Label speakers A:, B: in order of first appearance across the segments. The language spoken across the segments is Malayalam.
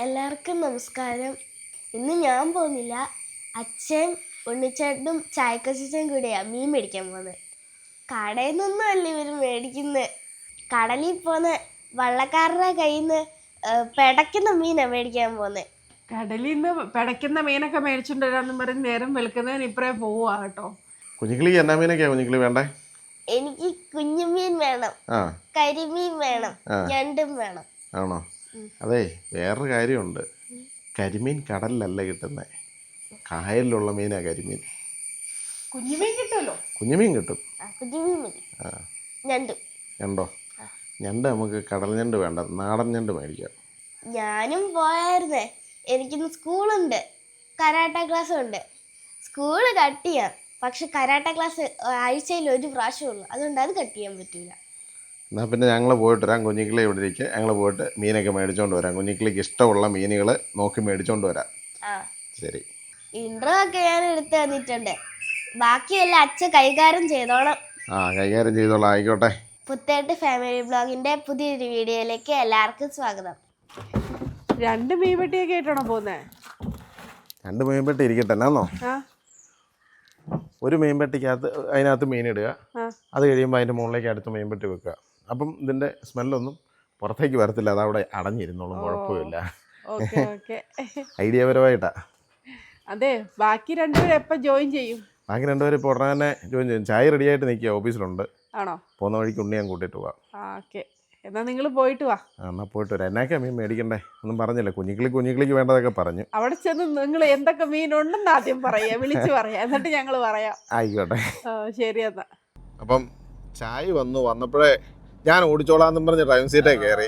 A: എല്ലാവർക്കും നമസ്കാരം. ഇന്ന് ഞാൻ പോകുന്നില്ല, അച്ഛൻ ഉണ്ണിച്ചേട്ടനും ചായക്കച്ചനും കൂടെയാണ് മീൻ മേടിക്കാൻ പോകുന്നത്. കടയിൽ നിന്നൊന്നും അല്ല ഇവർ മേടിക്കുന്നത്, കടലിൽ പോകുന്ന വള്ളക്കാരുടെ കയ്യിൽ നിന്ന് പിടയ്ക്കുന്ന മീനാണ് മേടിക്കാൻ പോകുന്നത്.
B: കടലിൽ നിന്ന് പിടയ്ക്കുന്ന മീനൊക്കെ മേടിച്ചിട്ട് വരാമെന്ന് പറഞ്ഞ് നേരം വെളുക്കുന്നതിന് ഇപ്പറേ പോവാ കേട്ടോ.
C: കുഞ്ഞിക്കിളിക്ക് എന്നാ മീനൊക്കെയാ കുഞ്ഞിക്കിളി വേണ്ടേ?
A: എനിക്ക് കുഞ്ഞുമീൻ വേണം, കരിമീൻ വേണം, ഞണ്ടും വേണം.
C: ആണോ? അതെ, വേറൊരു കാര്യമുണ്ട്. കരിമീൻ കടലിലല്ല കിട്ടുന്നത്, കായലിലുള്ള മീനാ കരിമീൻ.
B: കുഞ്ഞുമീൻ കിട്ടുമല്ലോ.
C: കുഞ്ഞുമീൻ കിട്ടും.
A: കുഞ്ഞുമീൻ മതി.
C: ഞണ്ടോ? ഞണ്ട് നമുക്ക് കടൽ ഞണ്ട് വേണ്ട, നാടൻ ഞണ്ട് മേടിക്കാം.
A: ഞാനും പോയായിരുന്നേ, എനിക്കിന്ന് സ്കൂളുണ്ട്, കരാട്ട ക്ലാസ് ഉണ്ട്. സ്കൂള് കട്ട് ചെയ്യാം, പക്ഷെ കരാട്ട ക്ലാസ് ആഴ്ചയിൽ ഒരു പ്രാവശ്യമുള്ളൂ, അതുകൊണ്ട് അത് കട്ട് ചെയ്യാൻ പറ്റൂല.
C: എന്നാൽ പിന്നെ ഞങ്ങൾ പോയിട്ട് വരാം. കുഞ്ഞിക്കിളി ഇവിടെ ഇരിക്കുക, ഞങ്ങൾ പോയിട്ട് മീനൊക്കെ മേടിച്ചോണ്ട് വരാം. കുഞ്ഞിക്കിളിക്ക് ഇഷ്ടമുള്ള മീനുകൾ നോക്കി മേടിച്ചോണ്ട് വരാം. ശരി.
A: ഇൻട്രോ ഒക്കെ ഞാൻ എടുത്ത് തന്നിട്ടുണ്ട്, ബാക്കിയെല്ലാം അച്ഛൻ കൈകാര്യം ചെയ്തോളാം.
C: കൈകാര്യം ചെയ്തോളാം. ആയിക്കോട്ടെ.
A: പുത്തേട്ട് ഫാമിലി ബ്ലോഗിന്റെ പുതിയൊരു വീഡിയോയിലേക്ക് എല്ലാവർക്കും സ്വാഗതം.
B: 2 മീൻപെട്ടിയൊക്കെ ആയിട്ടാണോ പോകുന്നത്?
C: 2 മീൻപെട്ടി ഇരിക്കട്ടെ. എന്നാന്നോ, ഒരു മീൻപെട്ടിക്കകത്ത് അതിനകത്ത് മീനിടുക, അത് കഴിയുമ്പോൾ അതിൻ്റെ മുകളിലേക്ക് അടുത്ത മീൻപെട്ടി വെക്കുക. അപ്പം ഇതിൻ്റെ സ്മെല്ലൊന്നും പുറത്തേക്ക് വരത്തില്ല, അതവിടെ അടഞ്ഞിരുന്നോളും, കുഴപ്പമില്ല. ഐഡിയപരമായിട്ടാ.
B: അതെ, ബാക്കി 2 പേര് എപ്പോൾ ജോയിൻ ചെയ്യും?
C: ബാക്കി 2 പേര് ഇപ്പോൾ ഉടനെ തന്നെ ജോയിൻ ചെയ്യും. ചായ റെഡി ആയിട്ട് നിൽക്കുക, ഓഫീസിലുണ്ട്.
B: ആണോ?
C: പോകുന്ന വഴിക്ക് ഉണ്ണി ഞാൻ കൂട്ടിയിട്ട് പോവാം.
B: ഓക്കെ, എന്നാൽ നിങ്ങൾ പോയിട്ട് വാ.
C: എന്നാൽ പോയിട്ട് വരാം. എന്നാക്കാ മീൻ മേടിക്കണ്ടേ ഒന്നും പറഞ്ഞില്ല. കുഞ്ഞിക്കിളിക്ക് വേണ്ടതൊക്കെ പറഞ്ഞു.
B: അവിടെ ചെന്ന് നിങ്ങൾ എന്തൊക്കെ മീനുണ്ടെന്ന് ആദ്യം പറയാ, വിളിച്ച് പറയാം, എന്നിട്ട് ഞങ്ങൾ പറയാം.
C: ആയിക്കോട്ടെ.
B: ശരി എന്നാ.
C: അപ്പം ചായ വന്നപ്പോഴേ ഞാൻ ഓടിച്ചോളാന്നും പറഞ്ഞ് ഡ്രൈവിംഗ് സീറ്റേ കയറി.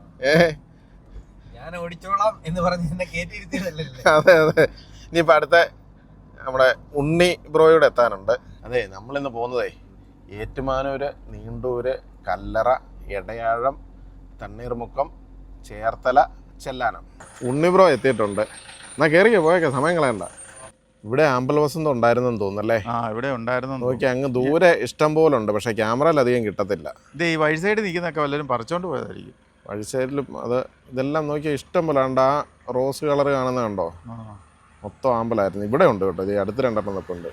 D: ഞാൻ ഓടിച്ചോളാം എന്ന് പറഞ്ഞ് എന്നെ കയറ്റിയിരുത്തിയതല്ലേ?
C: അതെ. ഇനിയിപ്പോൾ അടുത്ത നമ്മുടെ ഉണ്ണി ബ്രോയോട് എത്താനുണ്ട്. അതെ, നമ്മളിന്ന് പോകുന്നതേ ഏറ്റുമാനൂര്, നീണ്ടൂര്, കല്ലറ, എടയാഴം, തണ്ണീർമുക്കം, ചേർത്തല, ചെല്ലാനം. ഉണ്ണി ബ്രോ എത്തിയിട്ടുണ്ട്. എന്നാൽ കയറിയോ, പോയേക്കാം, സമയം കളയണ്ട. ഇവിടെ ആമ്പൽ വസന്തം ഉണ്ടായിരുന്നെന്ന് തോന്നുന്നല്ലേ?
D: ഇവിടെ ഉണ്ടായിരുന്നു.
C: നോക്കി, അങ്ങ് ദൂരെ ഇഷ്ടം പോലെ ഉണ്ട്, പക്ഷേ ക്യാമറയിൽ അധികം കിട്ടത്തില്ല.
D: ഇത് ഈ വഴി സൈഡ് നിൽക്കുന്നൊക്കെ വല്ലവരും പറിച്ചോണ്ട് പോയതായിരിക്കും.
C: വഴി സൈഡിലും ഇതെല്ലാം നോക്കിയാൽ ഇഷ്ടം പോലെ ഉണ്ട്. ആ റോസ് കളർ കാണുന്ന കണ്ടോ, മൊത്തം ആമ്പലായിരുന്നു. ഇവിടെ ഉണ്ട് കേട്ടോ, ഇത് അടുത്ത് 2 എണ്ണം ഉണ്ട്.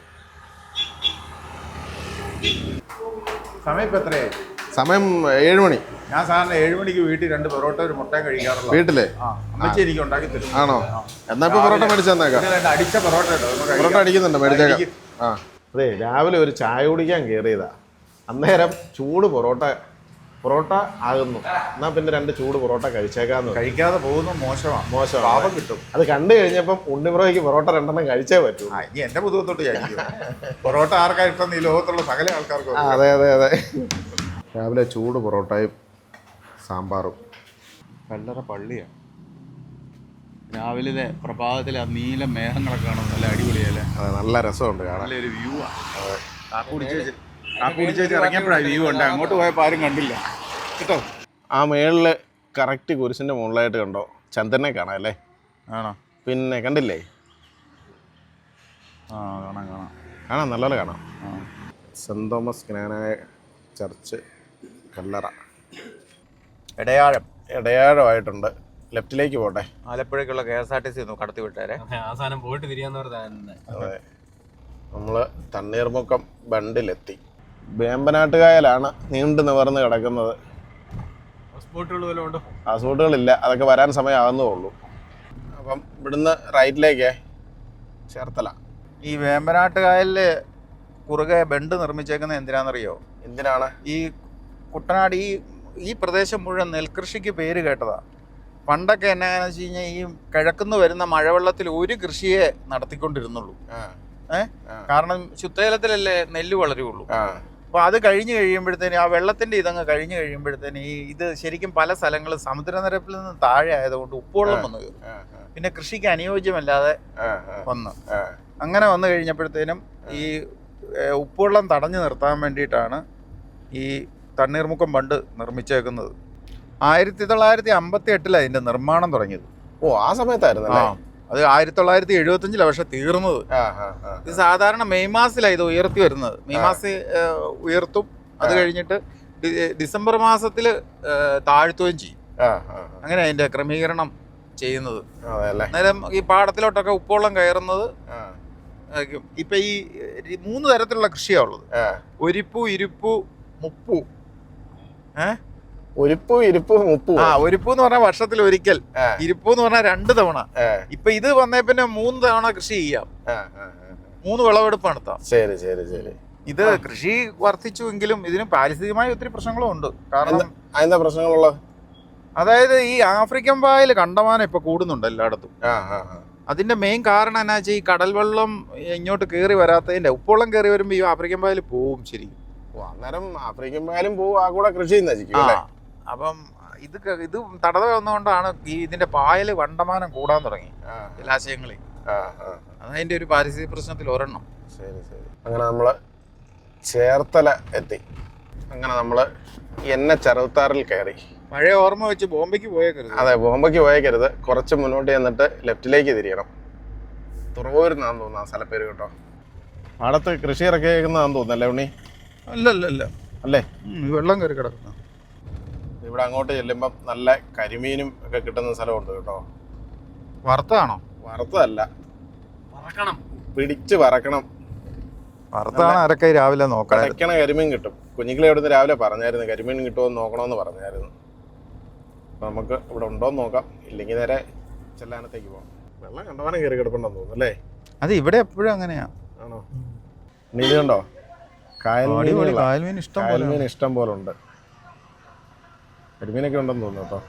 D: സമയം ഇപ്പം എത്രയായി?
C: സമയം 7 മണി.
D: ഞാൻ സാറിന് 7 മണിക്ക് വീട്ടിൽ 2 പൊറോട്ട ഒരു മുട്ടയും കഴിക്കാറുള്ളൂ.
C: വീട്ടില്
D: അമ്മച്ചി എനിക്ക് ഉണ്ടാക്കി തരും.
C: ആണോ? എന്നാ ഇപ്പൊ പൊറോട്ട മേടിച്ചു തന്നേക്കാം.
D: അടിച്ച പൊറോട്ട
C: പൊറോട്ട അടിക്കുന്നുണ്ട്, മേടിച്ചേക്കാം. അതെ, രാവിലെ ഒരു ചായ കുടിക്കാൻ കയറിയതാ, അന്നേരം ചൂട് പൊറോട്ട ആകുന്നു. എന്നാ പിന്നെ 2 ചൂട് പൊറോട്ട കഴിച്ചേക്കാന്ന്.
D: കഴിക്കാതെ പോകുന്ന മോശമാണ്. പാപം കിട്ടും.
C: അത് കണ്ടു കഴിഞ്ഞപ്പം ഉണ്ണിബ്രോയ്ക്ക് പൊറോട്ട 2 എണ്ണം കഴിച്ചേ പറ്റൂ.
D: ഇനി എന്റെ പുതുവത്തോട്ട് കഴിക്കും. പൊറോട്ട ആർക്കാ ഇഷ്ടം? ഈ ലോകത്തുള്ള സകല ആൾക്കാർക്കും.
C: അതെ. രാവിലെ ചൂട് പൊറോട്ടയും സാമ്പാറും.
E: കല്ലറ പള്ളിയാണ്. രാവിലെ പ്രഭാതത്തിലെ ആ നീല മേഘങ്ങളൊക്കെ കാണും, നല്ല അടിപൊളിയല്ലേ?
C: അതെ, നല്ല രസമുണ്ട് കാണാൻ.
E: നല്ലൊരു വ്യൂ ആണ്. കാക്കുടിച്ച് ഇറങ്ങിയപ്പോഴാണ് വ്യൂ ഉണ്ട്. അങ്ങോട്ട് പോയപ്പോൾ ആരും കണ്ടില്ല കേട്ടോ.
C: ആ മേളില് കറക്റ്റ് കുരിശിന്റെ മുകളിലായിട്ട് കണ്ടോ ചന്ദ്രനെ കാണാം അല്ലേ?
E: ആണോ?
C: പിന്നെ കണ്ടില്ലേ? കാണാം, നല്ലപോലെ കാണാം. Saint Thomas Knanaya church, Kallara, എടയാഴമായിട്ടുണ്ട്. ലെഫ്റ്റിലേക്ക് പോട്ടെ.
D: ആലപ്പുഴയ്ക്കുള്ള KSRTC ഒന്ന് കടത്തി വിട്ടേരെ.
F: അവസാനം പോയിട്ട് തിരിയാന്ന് പറഞ്ഞ.
C: അതെ, നമ്മള് തണ്ണീർമുക്കം ബണ്ടിലെത്തി. വേമ്പനാട്ടുകായലാണ് നീണ്ടു നിവർന്ന് കിടക്കുന്നത്. ആ സ്പോട്ടുകളില്ല, അതൊക്കെ വരാൻ സമയമാകുന്നേ ഉള്ളൂ. അപ്പം ഇവിടുന്ന് റൈറ്റിലേക്ക് ചേർത്തല.
D: ഈ വേമ്പനാട്ടുകായലില് കുറുകെ ബണ്ട് നിർമ്മിച്ചേക്കുന്നത് എന്തിനാണെന്നറിയോ?
C: എന്തിനാണ്?
D: ഈ കുട്ടനാട് ഈ പ്രദേശം മുഴുവൻ നെൽകൃഷിക്ക് പേര് കേട്ടതാ. പണ്ടൊക്കെ എന്നാന്ന് വെച്ച് കഴിഞ്ഞാൽ ഈ കിഴക്കുന്ന് വരുന്ന മഴവെള്ളത്തിൽ ഒരു കൃഷിയെ നടത്തിക്കൊണ്ടിരുന്നുള്ളൂ. കാരണം ശുദ്ധജലത്തിലല്ലേ നെല്ല് വളരുള്ളൂ. അപ്പോൾ അത് കഴിഞ്ഞ് കഴിയുമ്പോഴത്തേന്, ആ വെള്ളത്തിൻ്റെ ഇതങ്ങ് കഴിഞ്ഞ് കഴിയുമ്പോഴത്തേന് ഇത് ശരിക്കും പല സ്ഥലങ്ങളും സമുദ്രനിരപ്പിൽ നിന്ന് താഴെ ആയതുകൊണ്ട് ഉപ്പുവെള്ളം വന്നു കയറും. പിന്നെ കൃഷിക്ക് അനുയോജ്യമല്ലാതെ വന്നു. അങ്ങനെ വന്നു കഴിഞ്ഞപ്പോഴത്തേനും ഈ ഉപ്പുവെള്ളം തടഞ്ഞു നിർത്താൻ വേണ്ടിയിട്ടാണ് ഈ തണ്ണീർമുക്കം ബണ്ട് നിർമ്മിച്ചേക്കുന്നത്. 1958 അതിൻ്റെ നിർമ്മാണം തുടങ്ങിയത്.
C: ആ സമയത്തായിരുന്നു.
D: അത് 1975 പക്ഷെ തീർന്നത്. ഇത് സാധാരണ മെയ് മാസത്തിലാണ് ഇത് ഉയർത്തി വരുന്നത്. മെയ് മാസം ഉയർത്തും, അത് കഴിഞ്ഞിട്ട് ഡിസംബർ മാസത്തിൽ താഴ്ത്തുകയും ചെയ്യും. അങ്ങനെ അതിൻ്റെ ക്രമീകരണം ചെയ്യുന്നത്.
C: അതെ അല്ലേ?
D: അന്നേരം ഈ പാടത്തിലോട്ടൊക്കെ ഉപ്പുവെള്ളം കയറുന്നത്
C: ആ
D: ഇപ്പൊ ഈ 3 തരത്തിലുള്ള കൃഷിയാണ് ഉള്ളത്. ഒരിപ്പു, ഇരുപ്പു, മുപ്പു.
C: ഒരിപ്പൂ ഇരുപ്പൂ മുപ്പൂ.
D: ഒരിപ്പു എന്ന് പറഞ്ഞാൽ വർഷത്തിൽ ഒരിക്കൽ, ഇരുപ്പു എന്ന് പറഞ്ഞാൽ 2 തവണ. ഇപ്പൊ ഇത് വന്നേ പിന്നെ 3 തവണ കൃഷി ചെയ്യാം, 3 വിളവെടുപ്പ് നടത്താം.
C: ശരി ശരി ശരി.
D: ഇത് കൃഷി വർദ്ധിച്ചുവെങ്കിലും ഇതിന് പാരിസ്ഥിതികമായ ഒത്തിരി പ്രശ്നങ്ങളും ഉണ്ട്. കാരണം
C: എന്താ പ്രശ്നങ്ങളുള്ളത്?
D: അതായത് ഈ ആഫ്രിക്കൻ പായൽ കണ്ടമാനം ഇപ്പൊ കൂടുന്നുണ്ട് എല്ലായിടത്തും. അതിന്റെ മെയിൻ കാരണം എന്നാ വെച്ചാൽ ഈ കടൽ വെള്ളം ഇങ്ങോട്ട് കയറി വരാത്തതിന്റെ, ഉപ്പുവെള്ളം കയറി വരുമ്പോ ഈ ആഫ്രിക്കൻ പായൽ പോവും. ശരി,
C: അന്നേരം ആഫ്രിക്കൻ പായലും പോവും, ആ കൂടെ കൃഷി നശിക്കും.
D: അപ്പം ഇത് തടവ വന്നുകൊണ്ടാണ് ഈ ഇതിന്റെ പായല് കണ്ടമാനം കൂടാൻ തുടങ്ങി ജലാശയങ്ങളിൽ. അതതിന്റെ ഒരു പാരിസ്ഥിതിക പ്രശ്നത്തിൽ ഒരെണ്ണം.
C: ശരി ശരി. അങ്ങനെ നമ്മള് ചേർത്തല എത്തി. അങ്ങനെ നമ്മള് ചെറുത്താറിൽ കയറി.
D: പഴയ ഓർമ്മ വെച്ച് ബോംബെക്ക് പോയേക്കരുത്.
C: അതെ, ബോംബെക്ക് പോയേക്കരുത്. കുറച്ച് മുന്നോട്ട് ചെന്നിട്ട് ലെഫ്റ്റിലേക്ക് തിരിയണം. തുറവൂരിനാന്ന് തോന്നുന്നു ആ സ്ഥലപ്പേര് കേട്ടോ. പാടത്ത് കൃഷി ഇറക്കിയേക്കുന്നതാന്ന് തോന്നുന്നല്ലേ ഉണ്ണി?
D: അല്ല
C: അല്ലേ?
D: വെള്ളം കയറി കിടക്കുന്ന.
C: ഇവിടെ അങ്ങോട്ട് ചെല്ലുമ്പം നല്ല കരിമീനും ഒക്കെ കിട്ടുന്ന സ്ഥലമുണ്ട് കേട്ടോ.
D: വറുത്താണോ?
C: വറുത്തതല്ല, പിടിച്ച് വറക്കണം.
D: വറുത്താണ് ആരൊക്കെ രാവിലെ നോക്കാം.
C: കടയ്ക്കണ കരിമീൻ കിട്ടും. കുഞ്ഞിക്കിളി അവിടുന്ന് രാവിലെ പറഞ്ഞായിരുന്നു കരിമീൻ കിട്ടുമെന്ന് നോക്കണമെന്ന് പറഞ്ഞായിരുന്നു. അപ്പം നമുക്ക് ഇവിടെ ഉണ്ടോയെന്ന് നോക്കാം, ഇല്ലെങ്കിൽ നേരെ ചെല്ലാനത്തേക്ക് പോകാം. വെള്ളം കണ്ടവാനം കയറി കിടപ്പുണ്ടെന്ന് തോന്നുന്നു അല്ലേ?
D: അത് ഇവിടെ എപ്പോഴും അങ്ങനെയാ.
C: ആണോ? നീ കണ്ടോ?
D: കായൽമീൻ
C: ഇഷ്ടം പോലെ ഉണ്ട്. കരിമീനൊക്കെ ഉണ്ടെന്ന് തോന്നുന്നു കേട്ടോ.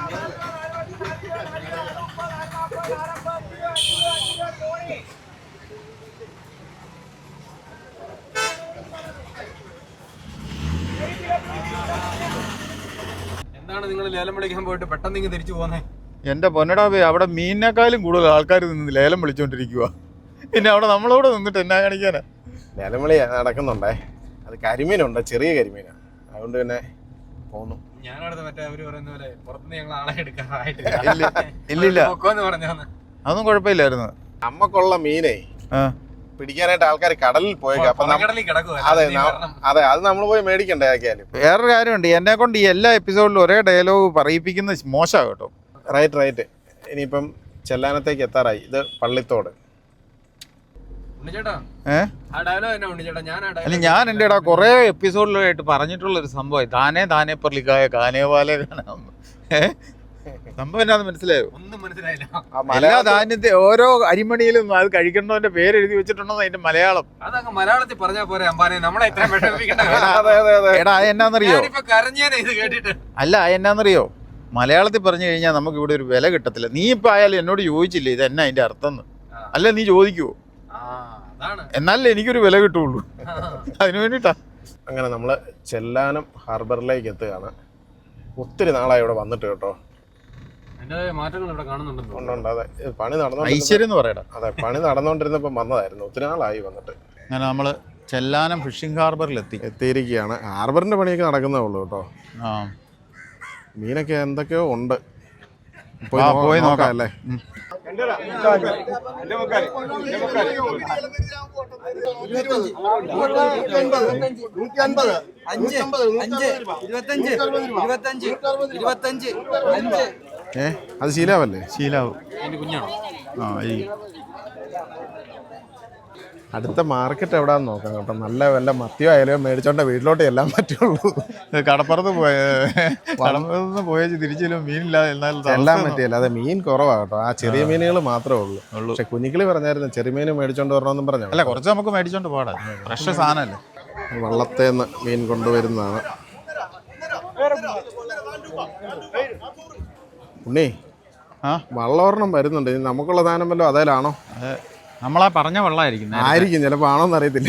F: എന്താണ് നിങ്ങൾ ലേലം വിളിക്കാൻ പോയിട്ട് പെട്ടെന്ന് ഇങ്ങ് തിരിച്ചു പോകുന്നേ?
D: എന്റെ പൊന്നടാബേ, അവിടെ മീനിനേക്കാളും കൂടുതൽ ആൾക്കാർ നിന്ന് ലേലം വിളിച്ചോണ്ടിരിക്കുക. പിന്നെ അവിടെ നമ്മളോട് നിന്നിട്ട് എന്നാ കാണിക്കാനാ?
C: ലേലം വിളി നടക്കുന്നുണ്ടേ. അത് കരിമീനുണ്ട്, ചെറിയ കരിമീനാണ്. അതുകൊണ്ട് പിന്നെ പോന്നു.
F: ഞാനവിടെ മറ്റേ അവര് പറയുന്ന പോലെ പുറത്തുനിന്ന് ഞങ്ങൾ ആളെ എടുക്കാറായിട്ടില്ല.
D: ഇല്ലില്ല,
F: പറഞ്ഞു
D: അതൊന്നും കുഴപ്പമില്ലായിരുന്നു.
C: നമ്മക്കുള്ള മീനേ പിടിക്കാനായിട്ട് ആൾക്കാർ കടലിൽ പോയേക്കാം. അപ്പൊ അതെ അതെ, അത് നമ്മൾ പോയി മേടിക്കണ്ടേ ആക്കിയാലും.
D: വേറൊരു കാര്യമുണ്ട്, എന്നെ കൊണ്ട് ഈ എല്ലാ എപ്പിസോഡിലും ഒരേ ഡയലോഗ് പറയിപ്പിക്കുന്ന മോശമാണ് കേട്ടോ.
C: റൈറ്റ്. ഇനിയിപ്പം ചെല്ലാനത്തേക്ക് എത്താറായി. ഇത് പള്ളിത്തോട്.
D: അല്ല, ഞാൻ എൻ്റെ ഇടാ കുറെ എപ്പിസോഡിലായിട്ട് പറഞ്ഞിട്ടുള്ള ഒരു സംഭവം താനേ പൊർലിക്കായ കാനേവാലെ സംഭവം എന്നാന്ന് മനസ്സിലായോ?
F: ഒന്നും മനസ്സിലായില്ല.
D: എല്ലാ ധാന്യത്തെ ഓരോ അരിമണിയിലും അത് കഴിക്കേണ്ടവന്റെ പേര് എഴുതി വെച്ചിട്ടുണ്ടോ അതിന്റെ മലയാളം.
F: അതങ്ങ് മലയാളത്തിൽ പറഞ്ഞാൽ പോരെ അമ്പാനെ, നമ്മളെ ഇത്രയും വിഷമിപ്പിക്കണ്ട.
D: എടാ എന്നാന്നറിയോ?
F: ഇത് കേട്ടിട്ട്
D: അല്ല, എന്നാന്നറിയോ, മലയാളത്തിൽ പറഞ്ഞു കഴിഞ്ഞാൽ നമുക്ക് ഇവിടെ ഒരു വില കിട്ടത്തില്ല. നീ ഇപ്പൊ ആയാലും എന്നോട് ചോദിച്ചില്ലേ ഇത് എന്നാ അതിന്റെ അർത്ഥം? അല്ല, നീ ചോദിക്കുവോ? എന്നാലേ എനിക്കൊരു വില കിട്ടുള്ളൂ. അതിനു വേണ്ടിട്ടാ.
C: അങ്ങനെ നമ്മള് ചെല്ലാനം ഹാർബറിലേക്ക് എത്തുകയാണ്. ഒത്തിരി നാളായി ഇവിടെ വന്നിട്ട് കേട്ടോ.
F: മാറ്റങ്ങൾ ഇവിടെ കാണുന്നുണ്ട്.
C: അതെ, പണി പണി നടന്നുകൊണ്ടിരുന്നപ്പോ വന്നതായിരുന്നു. ഒത്തിരി നാളായി വന്നിട്ട്.
D: അങ്ങനെ നമ്മള് ചെല്ലാനം ഫിഷിംഗ് ഹാർബറിൽ
C: എത്തിയിരിക്കുകയാണ്. ഹാർബറിന്റെ പണിയൊക്കെ നടക്കുന്നേ ഉള്ളൂ കേട്ടോ. മീനൊക്കെ എന്തൊക്കെയോ ഉണ്ട്. പോയി നോക്കാം അല്ലേ? അത് ശീലാവല്ലേ?
D: ശീലാവും.
C: അടുത്ത മാർക്കറ്റ് എവിടാന്ന് നോക്കാം കേട്ടോ. നല്ല വല്ല മത്തിയോ അയലോ മേടിച്ചോണ്ട് വീട്ടിലോട്ട് എല്ലാം പറ്റുള്ളൂ.
D: കടപ്പുറത്ത് പോയ തിരിച്ചില്ല മീനില്ലാതെ
C: എല്ലാം പറ്റിയല്ല. അതെ, മീൻ കുറവാ കേട്ടോ. ആ ചെറിയ മീനുകൾ മാത്രമേ ഉള്ളൂ. പക്ഷെ കുഞ്ഞിക്കിളി പറഞ്ഞായിരുന്നു ചെറിയ മീൻ മേടിച്ചോണ്ട് വരണമെന്നും പറഞ്ഞു.
D: അല്ല, കുറച്ച് നമുക്ക് മേടിച്ചോണ്ട് പോടാ, ഫ്രഷ് സാധനല്ലേ.
C: വള്ളത്തേന്ന് മീൻ കൊണ്ടുവരുന്നതാണ്. ഉണ്ണി, വള്ളോർണം വരുന്നുണ്ട്. നമുക്കുള്ള സാധനം വല്ലോ അതേലാണോ?
D: നമ്മളാ പറഞ്ഞ വെള്ളമായിരിക്കും
C: ചിലപ്പോ ആണോന്ന് അറിയത്തില്ല.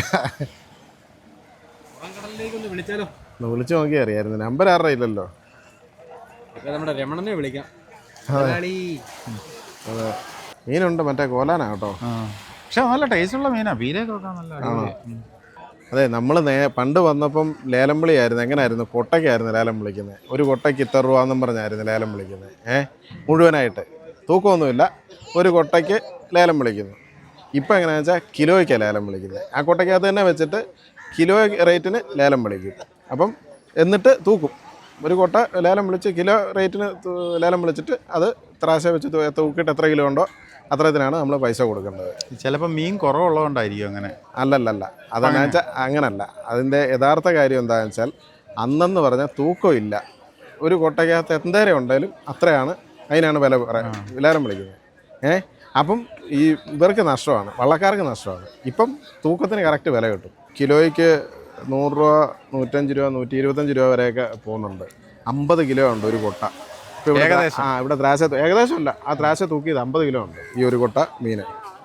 C: വിളിച്ചു നോക്കി അറിയായിരുന്നു. നമ്പർ ആരുടെ ഇല്ലല്ലോ.
F: നമ്മുടെ രമണനെ വിളിക്കാം.
C: അതെ, മീനുണ്ട്, മറ്റേ കോലാനാ കേട്ടോ.
D: പക്ഷെ നല്ല ടേസ്റ്റുള്ള മീനാ. ബീരൊക്കെ നല്ല.
C: അതെ, നമ്മൾ പണ്ട് വന്നപ്പം ലേലം വിളിയായിരുന്നു. എങ്ങനെയായിരുന്നു? കൊട്ടയ്ക്കായിരുന്നു ലേലം വിളിക്കുന്നത്. ഒരു കൊട്ടയ്ക്ക് ഇത്ര രൂപ എന്നും പറഞ്ഞായിരുന്നു ലേലം വിളിക്കുന്നത്. മുഴുവനായിട്ട് തൂക്കമൊന്നുമില്ല, ഒരു കൊട്ടയ്ക്ക് ലേലം വിളിക്കുന്നു. ഇപ്പം എങ്ങനെയാണെന്ന് വെച്ചാൽ കിലോയ്ക്കാണ് ലേലം വിളിക്കുന്നത്. ആ കൊട്ടയ്ക്കകത്ത് തന്നെ വെച്ചിട്ട് കിലോ റേറ്റിന് ലേലം വിളിക്കും. അപ്പം എന്നിട്ട് തൂക്കും. ഒരു കൊട്ട ലേലം വിളിച്ച് കിലോ റേറ്റിന് ലേലം വിളിച്ചിട്ട് അത് ത്രാശ വെച്ച് തൂക്കിയിട്ട് എത്ര കിലോ ഉണ്ടോ അത്രത്തിനാണ് നമ്മൾ പൈസ കൊടുക്കേണ്ടത്.
D: ചിലപ്പോൾ മീൻ കുറവുള്ളതുകൊണ്ടായിരിക്കും അങ്ങനെ.
C: അല്ലല്ലല്ല, അതെന്നു വെച്ചാൽ അങ്ങനല്ല. അതിൻ്റെ യഥാർത്ഥ കാര്യം എന്താണെന്ന് വെച്ചാൽ അന്നെന്ന് പറഞ്ഞാൽ തൂക്കമില്ല. ഒരു കൊട്ടയ്ക്കകത്ത് എന്തേരം ഉണ്ടെങ്കിലും അത്രയാണ്, അതിനാണ് ലേലം വിളിക്കുന്നത്. അപ്പം ഈ ഇവർക്ക് നഷ്ടമാണ്, വള്ളക്കാർക്ക് നഷ്ടമാണ്. ഇപ്പം തൂക്കത്തിന് കറക്റ്റ് വില കിട്ടും. കിലോയ്ക്ക് 100 രൂപ, 105 രൂപ, 125 രൂപ വരെയൊക്കെ പോകുന്നുണ്ട്. 50 കിലോ ഉണ്ട് ഒരു കൊട്ട. ഇപ്പോൾ ഇവിടെ ത്രാശ ഏകദേശമല്ല, ആ ത്രാശ തൂക്കിയത് 50 കിലോ ഉണ്ട് ഈ ഒരു കൊട്ട മീൻ.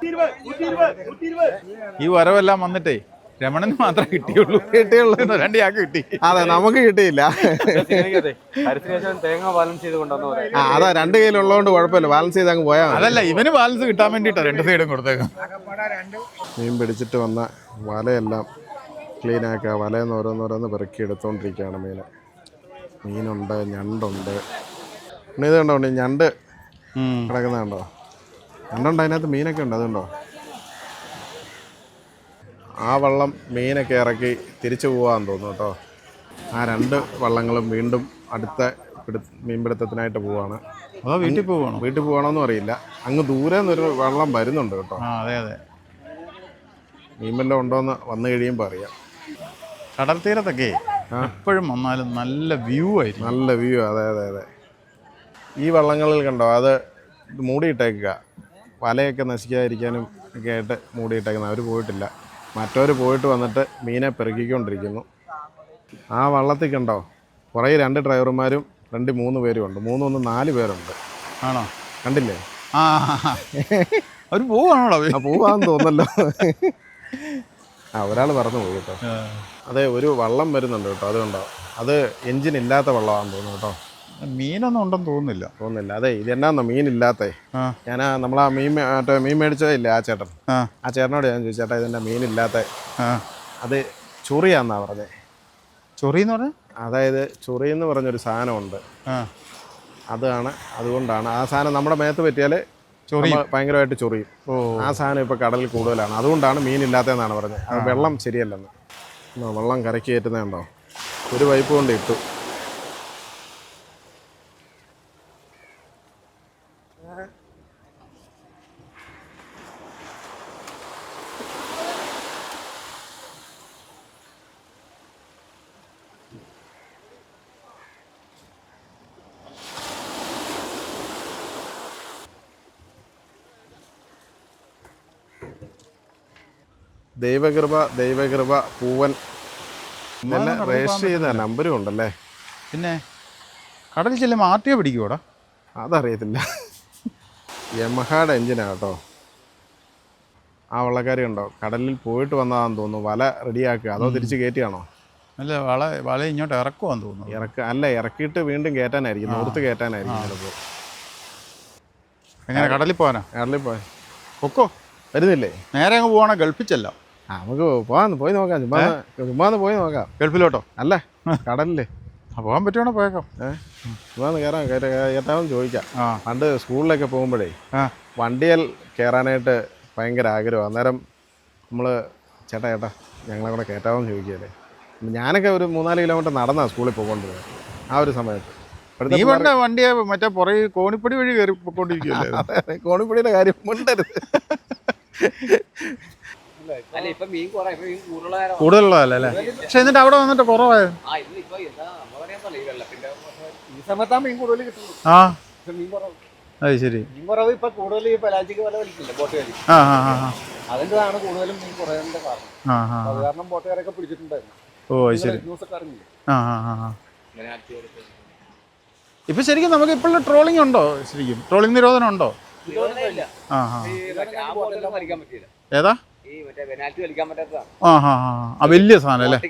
D: ഈ വരവെല്ലാം വന്നിട്ടേ രമണന് മാത്രമേ കിട്ടിയുള്ളൂ. 2 ചാക്ക് കിട്ടി.
C: അതെ, നമുക്ക് കിട്ടിയില്ല.
F: തേങ്ങ ബാലൻസ് ചെയ്ത് കൊണ്ടുവന്ന
C: അതാ 2 കയ്യിലുള്ളതുകൊണ്ട് കുഴപ്പമില്ല, ബാലൻസ് ചെയ്ത് അങ്ങ് പോയാൽ മതി.
D: അതല്ല, ഇവന് ബാലൻസ് കിട്ടാൻ വേണ്ടിയിട്ടാണ് 2 സൈഡും കൊടുത്തേക്കും.
C: മീൻ പിടിച്ചിട്ട് വന്ന വലയെല്ലാം ക്ലീനാക്കുക. വലയെന്ന് ഓരോന്നോരോന്ന് പെറുക്കി എടുത്തുകൊണ്ടിരിക്കുകയാണ് മീനുണ്ട്, ഞണ്ടുണ്ട്. പിന്നെ ഇത് കണ്ടോ ഞണ്ട് കിടക്കുന്നതുണ്ടോ? ഞണ്ടുണ്ട്, അതിനകത്ത് മീനൊക്കെ ഉണ്ട്. അതുണ്ടോ? ആ വള്ളം മീനൊക്കെ ഇറക്കി തിരിച്ചു പോകാമെന്ന് തോന്നുന്നു കേട്ടോ. ആ 2 വള്ളങ്ങളും വീണ്ടും അടുത്ത മീൻപിടുത്തത്തിനായിട്ട് പോവാണ്.
D: അതോ വീട്ടിൽ പോവാണോ?
C: വീട്ടിൽ പോകണമെന്നും അറിയില്ല. അങ്ങ് ദൂരെ നിന്നൊരു വള്ളം വരുന്നുണ്ട് കേട്ടോ.
D: അതെ അതെ,
C: മീൻ വല്ലതും ഉണ്ടോയെന്ന് വന്നു കഴിയുമ്പോൾ അറിയാം.
D: കടൽ തീരത്തൊക്കെ എപ്പോഴും വന്നാലും നല്ല വ്യൂ ആയിരിക്കും.
C: നല്ല വ്യൂ. അതെ അതെ അതെ. ഈ വള്ളങ്ങളിൽ കണ്ടോ, അത് മൂടിയിട്ടേക്കുക. വലയൊക്കെ നശിക്കാതിരിക്കാനും ഒക്കെ ആയിട്ട് മൂടിയിട്ടേക്കുന്നത്. അവർ പോയിട്ടില്ല, മറ്റവർ പോയിട്ട് വന്നിട്ട് മീനെ പെറുക്കിക്കൊണ്ടിരിക്കുന്നു. ആ വള്ളത്തിൽ കണ്ടോ, കുറേ 2 ഡ്രൈവർമാരും 3 പേരും ഉണ്ട്. 4 പേരുണ്ട്.
D: ആണോ?
C: കണ്ടില്ലേ?
D: അവർ പോവാണോ?
C: പോവാന്ന് തോന്നല്ലോ. ഒരാൾ പറന്നു പോയി കേട്ടോ. അതെ, ഒരു വള്ളം വരുന്നുണ്ട് കേട്ടോ. അതുകൊണ്ടോ, അത് എൻജിൻ ഇല്ലാത്ത വള്ളമാണെന്ന് തോന്നുന്നു കേട്ടോ.
D: മീനൊന്നും ഉണ്ടെന്ന് തോന്നുന്നില്ല.
C: അതെ, ഇതെന്നാന്നോ മീനില്ലാത്തേ. ഞാൻ നമ്മളാ മീൻ മേടിച്ചതേ ആ ചേട്ടൻ. ആ ചേട്ടനോട് ഞാൻ ചോദിച്ചു, ചേട്ടാ ഇതെന്നാ മീനില്ലാത്ത? അത് ചൊറിയാന്നാ പറഞ്ഞേ.
D: ചൊറിയെന്ന് പറഞ്ഞാൽ
C: അതായത് ചൊറിയെന്ന് പറഞ്ഞൊരു സാധനമുണ്ട്. അതുകൊണ്ടാണ് ആ സാധനം നമ്മുടെ മേത്ത് പറ്റിയാൽ ഭയങ്കരമായിട്ട് ചൊറിയും. ആ സാധനം ഇപ്പോൾ കടലിൽ കൂടുതലാണ്, അതുകൊണ്ടാണ് മീനില്ലാത്തതെന്നാണ് പറഞ്ഞത്. അത് വെള്ളം ശരിയല്ലെന്ന്. വെള്ളം കരയ്ക്ക് കയറ്റുന്നതുണ്ടോ? ഒരു പൈപ്പ് കൊണ്ട് ഇട്ടു. ദൈവകൃപ പൂവൻ ഇതെല്ലാം രജിസ്റ്റർ ചെയ്ത നമ്പരും ഉണ്ടല്ലേ.
D: പിന്നെ കടലിൽ ചെല്ലുമ്പോൾ ആർട്ടിയോ പിടിക്കുവോടാ?
C: അതറിയത്തില്ല. യമഹയുടെ എഞ്ചിനാണ് കേട്ടോ. ആ വള്ളക്കാരി ഉണ്ടോ, കടലിൽ പോയിട്ട് വന്നതാണെന്ന് തോന്നുന്നു. വല റെഡിയാക്കുക, അതോ തിരിച്ച് കയറ്റിയാണോ?
D: അല്ല, വല ഇങ്ങോട്ട് ഇറക്കുവാന്ന് തോന്നുന്നു.
C: ഇറക്കിയിട്ട് വീണ്ടും കയറ്റാനായിരിക്കും, നൂർത്ത് കയറ്റാനായിരിക്കും ചിലപ്പോൾ.
D: എങ്ങനെ കടലിൽ പോകാനാ?
C: കടലിൽ പോയി
D: പൊക്കോ,
C: വരുന്നില്ലേ?
D: നേരെ അങ്ങ് പോവാണോ? ഗൾഫിച്ചല്ലോ.
C: നമുക്ക് പോയി നോക്കാം. ചുമ്മാന്ന് പോയി നോക്കാം.
D: ഗൾഫിലോട്ടോ?
C: അല്ല, കടലില്ലേ.
D: പോകാൻ പറ്റുവാണോ? പോയേക്കാം.
C: ചുമ്മാന്ന് കയറ്റാമെന്ന് ചോദിക്കാം. പണ്ട് സ്കൂളിലൊക്കെ പോകുമ്പോഴേ വണ്ടിയിൽ കയറാനായിട്ട് ഭയങ്കര ആഗ്രഹം. അന്നേരം നമ്മൾ ചേട്ടാ ഞങ്ങളെ കൂടെ കയറ്റാമെന്ന് ചോദിക്കുകയല്ലേ. ഞാനൊക്കെ ഒരു 3-4 കിലോമീറ്റർ നടന്നാണ് സ്കൂളിൽ പോയിക്കൊണ്ടിരുന്നത് ആ ഒരു സമയത്ത്.
D: നീ വേണ്ട വണ്ടിയെ മറ്റേ പുറകെ കോണിപ്പടി വഴി കയറി പോയിക്കൊണ്ടിരിക്കുകയല്ലേ.
C: കോണിപ്പടിയുടെ കാര്യം മിണ്ടരുത്.
D: കൂടുതലുള്ളതല്ലേ അല്ലേ? പക്ഷെ എന്നിട്ട് അവിടെ വന്നിട്ട് കുറവായോ?
F: ഈ സമയത്താ മീൻ കൂടുതൽ കിട്ടുള്ളൂ.
D: അത് ശരി.
F: മീൻ കുറവ് ഇപ്പൊ കൂടുതൽ ഈ പലാജിക്ക് വല വലിക്കില്ല, ബോട്ട് വലി. അതിൻ്റെതാണ് കൂടുതലും മീൻ കുറയാനുള്ള കാരണം. അത് കാരണം ബോട്ടുകാരൊക്കെ പിടിച്ചിട്ടുണ്ടായിരുന്നു.
D: ഓ ശരി.
F: ന്യൂസൊക്കെ അറിഞ്ഞില്ലേ?
D: ഇപ്പൊ ശരിക്കും നമുക്ക് ഇപ്പോഴും ട്രോളിംഗ് ഉണ്ടോ? ശരിക്കും ട്രോളിംഗ് നിരോധനം ഉണ്ടോ? ഏതാ? വലിയ സാധനം അല്ലേ?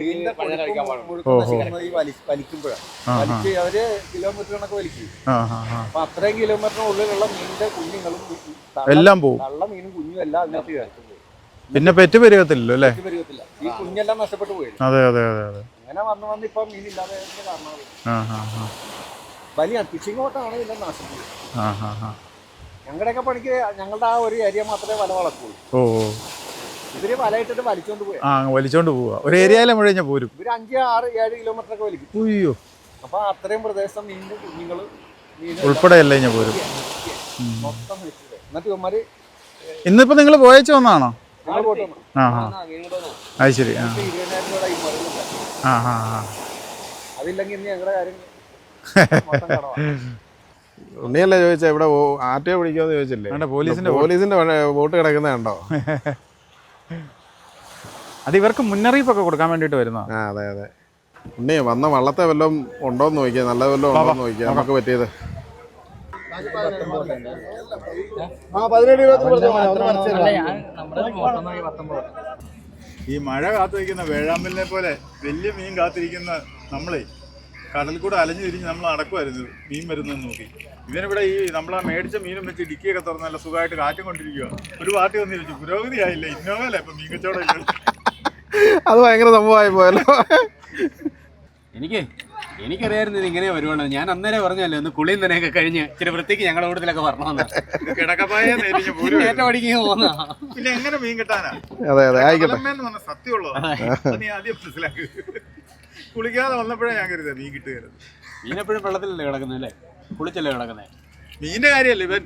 F: അവര് കിലോമീറ്റർ കണക്ക് വലിക്കും. അപ്പൊ അത്രയും കിലോമീറ്ററിനുള്ളിലുള്ള മീനിന്റെ കുഞ്ഞുങ്ങളും
D: എല്ലാം പോകും.
F: നല്ല മീനും കുഞ്ഞും എല്ലാം അതിനകത്ത് കയറ്റും.
D: പിന്നെ പെറ്റ് പെരുകത്തില്ലല്ലോ അല്ലേ?
F: ഈ കുഞ്ഞെല്ലാം നഷ്ടപ്പെട്ടു പോയി.
D: അതെ.
F: അങ്ങനെ വന്ന് ഇപ്പൊ മീനില്ലാതെ കാരണം വലിയ ഫിഷിംഗ് ബോട്ടാണ് ഇതിന്റെ നാശം. ഞങ്ങളുടെയൊക്കെ പണിക്ക് ഞങ്ങളുടെ ആ ഒരു ഏരിയ മാത്രമേ വല വളർത്തുള്ളൂ. ഇവര് വലയിട്ടിട്ട് വലിച്ചോണ്ട് പോയി.
D: വലിച്ചോണ്ട് പോവാ. ഒരു ഏരിയയിലെ മുഴുവൻ പോരും.
F: ഇവര് 5, 6, 7 കിലോമീറ്റർ ഒക്കെ വലിക്കും.
D: അയ്യോ,
F: അപ്പൊ അത്രയും പ്രദേശം മീനിന്റെ കുഞ്ഞുങ്ങള്
D: ഉൾപ്പെടെയല്ലേ ഇങ്ങനെ പോരും.
F: മൊത്തം വെച്ചിട്ട് എന്നിട്ട് ഇവന്മാര്
D: ഇന്നിപ്പോ നിങ്ങൾ പോയച്ചു വന്നാണോ?
F: ഞങ്ങൾ പോയിട്ട് വന്നു.
D: ആ അത് ശരി.
F: 20,000 രൂപ ഈ മരുന്നില്ല.
D: ആ
F: അതില്ലെങ്കിൽ ഇന്ന് ഞങ്ങളുടെ കാര്യം മൊത്തം കടവാ.
C: ഉണ്ണിയല്ലേ ചോദിച്ചാ ഇവിടെ ആറ്റോ പിടിക്കുമെന്ന് ചോദിച്ചില്ലേ? പോലീസിന്റെ വോട്ട് കിടക്കുന്ന കണ്ടോ?
D: അത് ഇവർക്ക് മുന്നറിയിപ്പൊക്കെ കൊടുക്കാൻ വേണ്ടിട്ട് വരുന്ന.
C: ആ അതെ അതെ. ഉണ്ണി വന്ന വള്ളത്തെ വല്ലതും ഉണ്ടോന്ന് നോക്കിയാ, നല്ല വല്ലതും ഉണ്ടോന്ന് നോക്കിയാ നമുക്ക് പറ്റിയത്.
E: ഈ മഴ കാത്തു വയ്ക്കുന്ന വേഴാമ്പലിനെ പോലെ വലിയ മീൻ കാത്തിരിക്കുന്ന നമ്മളെ കടലിൽ കൂടെ അലഞ്ഞു തിരിഞ്ഞ് നമ്മൾ നടക്കുമായിരുന്നു മീൻ വരുന്നതെന്ന് നോക്കി. ഇവനിവിടെ ഈ നമ്മളാ മേടിച്ച മീനും വെച്ച് ഡിക്കിയൊക്കെ തുറന്ന് നല്ല സുഖമായിട്ട് കാറ്റും കൊണ്ടിരിക്കുക. ഒരു പാർട്ടി വന്ന് ചോദിച്ചു, പുരോഗതി ആയില്ല, ഇന്നോവല്ലേ ഇപ്പൊ മീൻ കച്ചവടം ഇല്ല.
C: അത് ഭയങ്കര സംഭവമായി പോയല്ലോ.
G: എനിക്കറിയായിരുന്നു ഇത് ഇങ്ങനെ വരുവാണ്. ഞാൻ അന്നേരം പറഞ്ഞല്ലേ ഒന്ന് കുളിയും തന്നെയൊക്കെ കഴിഞ്ഞ് ഇച്ചിരി വൃത്തിക്ക് ഞങ്ങളുടെ കൂട്ടത്തിലൊക്കെ വരണമെന്ന്.
E: കിടക്കപ്പായ
G: ഏറ്റവും അടിക്കുക പോകുന്ന
E: പിന്നെ എങ്ങനെ മീൻ കിട്ടാനാ?
C: അതെ അതെ ആയിക്കോട്ടെ.
E: സത്യമുള്ളതാ, നീ ആദ്യം മനസ്സിലാക്ക്. കുളിക്കാതെ വന്നപ്പോഴേ ഞാൻ കരുതാ മീൻ കിട്ടുകയായിരുന്നു.
G: മീനെപ്പോഴും വെള്ളത്തിലല്ലേ കിടക്കുന്നത് അല്ലേ, കുളിച്ചല്ലേ കിടക്കുന്നത്.
E: മീനിന്റെ കാര്യമല്ലേ ഇവൻ.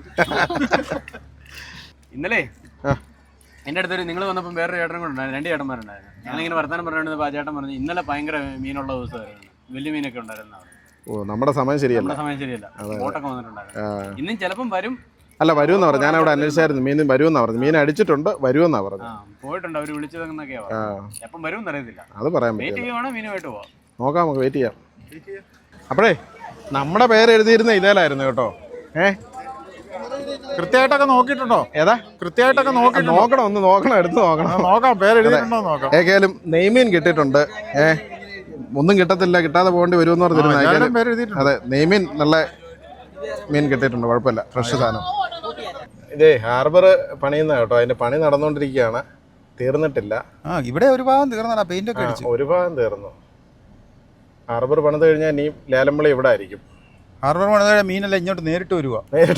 G: ഇന്നലെ എൻ്റെ അടുത്തൊരു നിങ്ങൾ വന്നപ്പോൾ വേറൊരു ചേട്ടനും കൂടെ ഉണ്ടായിരുന്നു, 2 ചേട്ടന്മാരുണ്ടായിരുന്നു. ഞാനിങ്ങനെ വർത്താനം പറഞ്ഞിരുന്നപ്പോൾ ആ ചേട്ടൻ പറഞ്ഞു ഇന്നലെ ഭയങ്കര മീനുള്ള ദിവസമായിരുന്നു, വലിയ മീനൊക്കെ ഉണ്ടായിരുന്നു.
C: ഓ നമ്മുടെ സമയം ശരിയല്ല.
G: നമ്മുടെ സമയം ശരിയല്ല, ബോട്ടൊക്കെ വന്നിട്ടുണ്ടായിരുന്നു. ഇന്നും ചിലപ്പം വരും.
C: അല്ല വരുമെന്നാ പറഞ്ഞു, ഞാൻ അവിടെ അന്വേഷിച്ചായിരുന്നു. മീൻ വരുമെന്നാ പറഞ്ഞു, മീൻ അടിച്ചിട്ടുണ്ട്, വരുമെന്നാ പറഞ്ഞു.
G: പോയിട്ടുണ്ട്, അവർ വിളിച്ചതെന്നൊക്കെയാ പറഞ്ഞു. എപ്പം വരും എന്നറിയത്തില്ല.
C: അത് പറയാൻ
G: വെയിറ്റ്
C: പറ്റില്ല.
G: ചെയ്യുവാണോ മീനുമായിട്ട് പോവാം,
C: നോക്കാം, നമുക്ക് വെയിറ്റ് ചെയ്യാം. അപ്പോഴേ നമ്മുടെ പേര് എഴുതിയിരുന്ന ഇതേലായിരുന്നു കേട്ടോ.
D: കൃത്യമായിട്ടൊക്കെ നോക്കിയിട്ടുണ്ടോ?
C: ഏതാ
D: കൃത്യമായിട്ടൊക്കെ
C: നോക്കണം, ഒന്ന് നോക്കണം, എടുത്ത് നോക്കണം.
D: നോക്കാം, പേര് എഴുതിയിട്ടുണ്ടോ നോക്കാം.
C: ഏകേലും നെയ്മീൻ കിട്ടിയിട്ടുണ്ട്. ഒന്നും കിട്ടത്തില്ല, കിട്ടാതെ പോകേണ്ടി വരുമെന്ന് പറഞ്ഞിരുന്നു. അതെ, നെയ്മീൻ നല്ല മീൻ കിട്ടിയിട്ടുണ്ട്, കുഴപ്പമില്ല, ഫ്രഷ് സാധനം. ഇതേ ഹാർബർ പണിയുന്ന കേട്ടോ, അതിന്റെ പണി നടന്നുകൊണ്ടിരിക്കുകയാണ്, തീർന്നിട്ടില്ല.
D: ഇവിടെ ഒരു ഭാഗം തീർന്നടാ, പെയിന്റ് ഒക്കെ അടിച്ചു.
C: ഒരു ഭാഗം തീർന്നു. ഹാർബർ പണിത് കഴിഞ്ഞാൽ ഇനി ലേലമ്പളി ഇവിടെ ആയിരിക്കും.
D: ഹാർബർ പണിത മീനല്ല ഇങ്ങോട്ട് നേരിട്ട് വരിക.